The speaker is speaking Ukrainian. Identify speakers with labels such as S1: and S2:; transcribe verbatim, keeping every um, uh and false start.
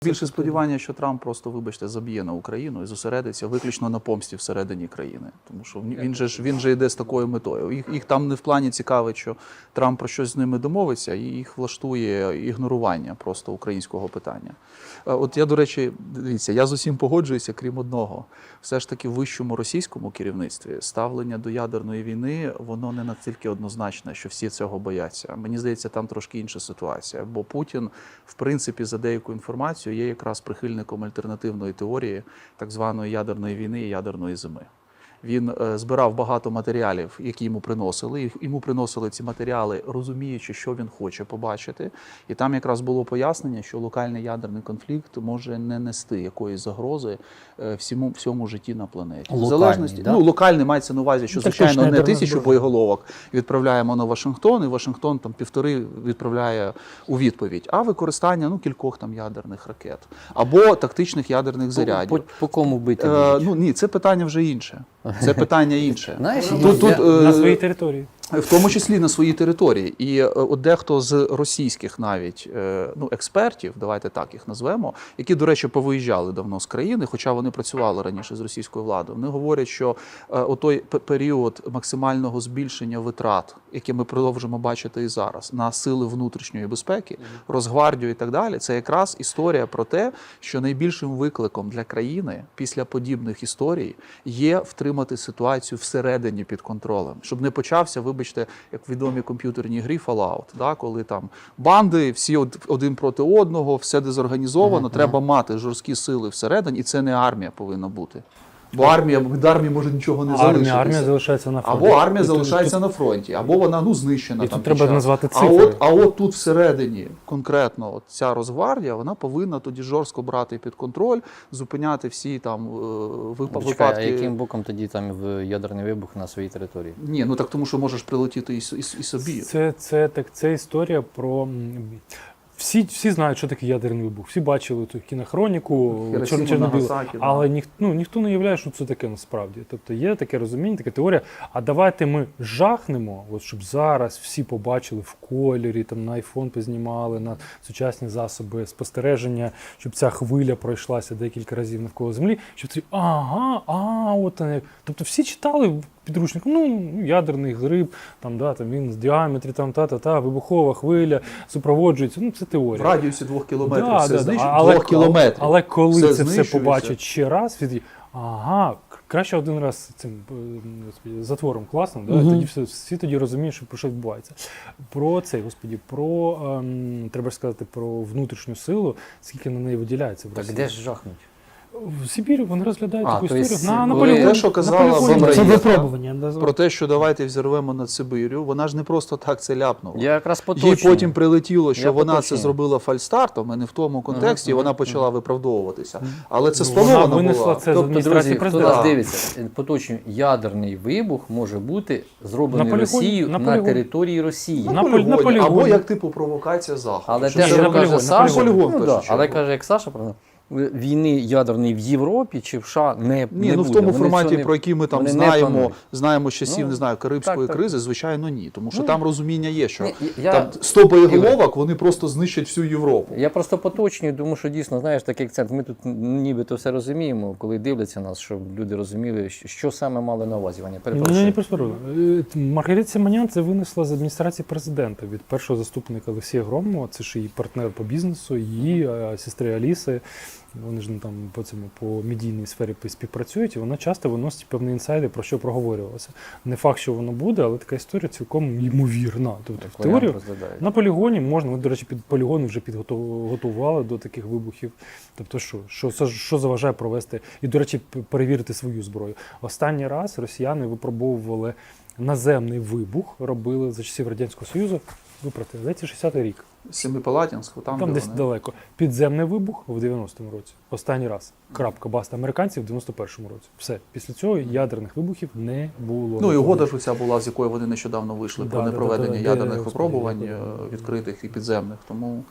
S1: Більше сподівання, що Трамп просто, вибачте, заб'є на Україну і зосередиться виключно на помсті всередині країни. Тому що він же ж він же йде з такою метою. Їх, їх там не в плані цікавить, що Трамп про щось з ними домовиться, і їх влаштує ігнорування просто українського питання. От я, до речі, дивіться, я з усім погоджуюся, крім одного. Все ж таки в вищому російському керівництві ставлення до ядерної війни, воно не настільки однозначне, що всі цього бояться. Мені здається, там трошки інша ситуація. Бо Путін, в принципі, за деяку інформацію, є якраз прихильником альтернативної теорії так званої ядерної війни і ядерної зими. Він е, збирав багато матеріалів, які йому приносили. Йому приносили ці матеріали, розуміючи, що він хоче побачити. І там якраз було пояснення, що локальний ядерний конфлікт може не нести якоїсь загрози е, всьому, всьому житті на планеті.
S2: Локальний,
S1: в залежності,
S2: да?
S1: ну, локальний мається на увазі, що,
S2: так,
S1: звичайно, не
S2: ядерна
S1: тисячу
S2: зброя.
S1: боєголовок відправляємо на Вашингтон, і Вашингтон там півтори відправляє у відповідь, а використання ну, кількох там ядерних ракет. Або тактичних ядерних зарядів.
S2: По, по, по кому бити?
S1: Е, ну, ні, це питання вже інше. Це питання інше.
S2: Знаєш,
S1: Тут, тут,
S2: я-
S1: е,
S3: На своїй території.
S1: в тому числі на своїй території. І е, от дехто з російських навіть е, ну, експертів, давайте так їх назвемо, які, до речі, повиїжджали давно з країни, хоча вони працювали раніше з російською владою, вони говорять, що е, отой п- період максимального збільшення витрат, який ми продовжимо бачити і зараз, на сили внутрішньої безпеки, Росгвардію і так далі, це якраз історія про те, що найбільшим викликом для країни після подібних історій є втримати ситуацію всередині під контролем, щоб не почався, вибачте, як в відомій комп'ютерній грі Fallout, да, коли там банди, всі од- один проти одного, все дезорганізовано,
S2: Ага,
S1: треба мати жорсткі сили всередині, і це не армія повинна бути. Бо армія, від армії може нічого не
S3: Армія,
S1: залишитися.
S3: армія залишається на фронті.
S1: Або армія
S3: І тут-
S1: залишається
S3: тут-
S1: на фронті, або вона ну, знищена.
S3: І
S1: там
S3: тут
S1: під
S3: треба
S1: час.
S3: назвати
S1: А
S3: цифри.
S1: от, а от тут всередині конкретно от ця Росгвардія, вона повинна тоді жорстко брати під контроль, зупиняти всі там е, вип-
S2: Чекай, а
S1: випадки.
S2: яким боком тоді там в ядерний вибух на своїй території?
S1: Ні, ну так тому що можеш прилетіти і, с- і, с- і собі.
S3: Це, це, так, це історія про... м, Всі, всі знають, що таке ядерний вибух. Всі бачили ту кінохроніку,
S1: Хіросіма,
S3: Чор- Чорнобиль.
S1: Нагасакі, да.
S3: Але ніх, ну, ніхто не уявляє, що це таке насправді. Тобто є таке розуміння, така теорія. А давайте ми жахнемо, от, щоб зараз всі побачили в кольорі, там, на айфон познімали, на сучасні засоби спостереження, щоб ця хвиля пройшлася декілька разів навколо Землі, щоб ці, ага, а, от вона як. Тобто всі читали в підручнику, ну, ядерний гриб, там, да, там він з діаметрі, там, та-та-та, вибухова хвиля, супроводжується, ну, це
S1: В
S3: теорія.
S1: радіусі двох кілометрів
S3: Да,
S1: все
S3: да, да.
S1: знищується.
S3: Але,
S1: Двох кілометрів.
S3: але коли
S1: Все
S3: це все
S1: знищується.
S3: побачать ще раз, від... ага, краще один раз цим е, господі, затвором класно, да?
S2: Мгм.
S3: Тоді все, всі тоді розуміють, що про що відбувається. Про це, господі, про, ем, треба ж сказати, про внутрішню силу, скільки на неї виділяється в
S2: Так
S3: Росії.
S2: де ж жахнуть?
S3: В Сибірі вони розглядають
S2: А,
S3: таку
S2: то
S3: історію.
S2: есть,
S3: На, на
S2: коли-
S3: полігоні.
S1: Те, що казала
S3: на полігоні.
S1: Бабра
S4: Це
S1: Єва,
S4: випробування. да,
S1: Про те, що давайте взірвемо над Сибирю, вона ж не просто так це ляпнула.
S2: Я якраз
S1: Їй
S2: поточнюю.
S1: потім прилетіло, що
S2: Я
S1: вона
S2: поточнюю.
S1: це зробила фальстартом, і не в тому контексті, і
S2: Ага,
S1: вона
S2: ага,
S1: почала виправдовуватися. Але це
S3: Ну,
S1: спланована
S3: вона винесла
S1: була.
S3: це з
S2: Тобто,
S3: адміністрації
S2: друзі, хто
S3: президента.
S2: нас дивиться, поточнюю, ядерний вибух може бути зроблений
S3: На полігоні,
S2: Росією
S3: на
S2: на,
S3: полігоні.
S2: території Росії.
S1: На
S3: На полі-
S1: полігоні,
S3: на полігоні.
S1: або як типу провокація Заходу.
S2: Але
S1: Що
S2: те,
S1: це
S2: що
S3: на
S1: робить-
S2: каже
S3: полігон, на
S2: Саша,
S1: полігон, в
S2: ну,
S1: першу
S2: да, але
S1: чергу.
S2: каже, як Саша, правильно, війни ядерної в Європі чи в США не,
S1: Ні,
S2: не
S1: ну в
S2: буде.
S1: тому
S2: Вони
S1: форматі,
S2: цього не-
S1: про який ми там
S2: вони не
S1: знаємо,
S2: планують.
S1: знаємо з часів,
S2: Ну,
S1: не знаю, Карибської
S2: так, так.
S1: кризи, звичайно, ні. Тому що
S2: Ну,
S1: там розуміння є, що
S2: Ні, я-
S1: там сто боєголовок, вони просто знищать всю Європу.
S2: Я просто поточнюю, тому що дійсно, знаєш, такий акцент. Ми тут нібито все розуміємо, коли дивляться нас, щоб люди розуміли, що- що саме мали на увазі. Ваня,
S3: Ні,
S2: перепрошую.
S3: ні, перепрошую. Е, Маргарита Симонян це винесла з адміністрації президента від першого заступника Олексія Громова, це ж її партнер по бізнесу, її е, сестри Аліси. Вони ж ну, там по цьому по медійній сфері співпрацюють, і вона часто виносить певні інсайди, про що проговорювалося. Не факт, що воно буде, але така історія цілком ймовірна. Тобто в
S2: Варіант
S3: теорію
S2: розглядають.
S3: на полігоні можна, ми, до речі, під полігони вже підготували до таких вибухів. Тобто, що, що, що, що заважає провести і, до речі, п- перевірити свою зброю. Останній раз росіяни випробовували наземний вибух, робили за часів Радянського Союзу. Ви про те, здається, шістдесятий рік.
S1: Семипалатінську, там,
S3: Там
S1: де
S3: десь
S1: вони.
S3: далеко. Підземний вибух в дев'яностому році. Останній раз. Крапка, баста. Американці в дев'яносто першому році. Все. Після цього ядерних вибухів не було.
S1: Ну і угода ж оця була, з якої вони нещодавно вийшли,
S3: Да,
S1: про
S3: да, да,
S1: непроведення
S3: да, да,
S1: ядерних
S3: де,
S1: випробувань
S3: господи,
S1: е,
S3: я-
S1: відкритих і підземних. Тому